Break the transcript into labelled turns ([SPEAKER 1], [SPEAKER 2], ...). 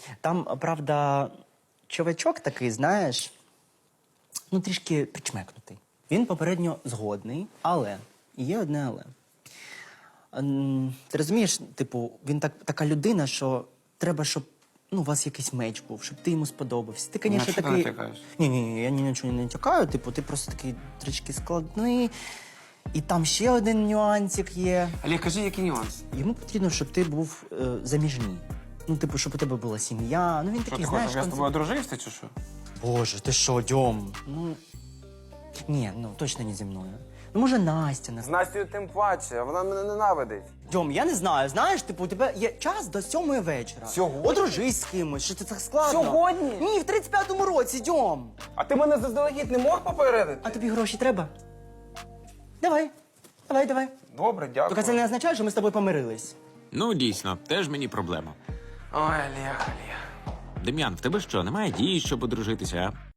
[SPEAKER 1] Там, правда, чувачок такий, знаєш, ну, трішки причмекнутий. Він попередньо згодний, але є одне але. Ти розумієш, типу, він така людина, що треба, щоб у вас якийсь меч був, щоб ти йому сподобався. Ти, звісно,
[SPEAKER 2] що ти
[SPEAKER 1] такий.
[SPEAKER 2] натякаєш?
[SPEAKER 1] Ні, я нічого не натякаю, типу, ти просто такий трішки складний. І там ще один нюансик є.
[SPEAKER 2] Олег, кажи, який нюанс?
[SPEAKER 1] Йому потрібно, щоб ти був заміжній. Ну, типу, щоб у тебе була сім'я. Ну, він
[SPEAKER 2] Що
[SPEAKER 1] такий,
[SPEAKER 2] ти хочеш,
[SPEAKER 1] знаєш,
[SPEAKER 2] щоб я з тобою одружився, чи що?
[SPEAKER 1] Боже, ти що, Дьом? Ну, ні, ну, точно не зі мною. Ну, може, Настя не
[SPEAKER 2] З Настю тим паче, вона мене ненавидить.
[SPEAKER 1] Дьом, я не знаю, знаєш, типу, у тебе є час до 7 вечора.
[SPEAKER 2] Сьогодні?
[SPEAKER 1] Одружись з кимось, що це так складно.
[SPEAKER 2] Сьогодні?
[SPEAKER 1] Ні, в 35-му році, Дьом.
[SPEAKER 2] А ти мене заздалегідь не мог попередити?
[SPEAKER 1] А тобі гроші треба? Давай.
[SPEAKER 2] Добре, дякую.
[SPEAKER 1] Тільки це не означає, що ми з тобою помирились.
[SPEAKER 3] Ну, дійсно, теж мені проблема.
[SPEAKER 2] Ой, Олег.
[SPEAKER 3] Дем'ян, в тебе що, немає дії, щоб одружитися, а?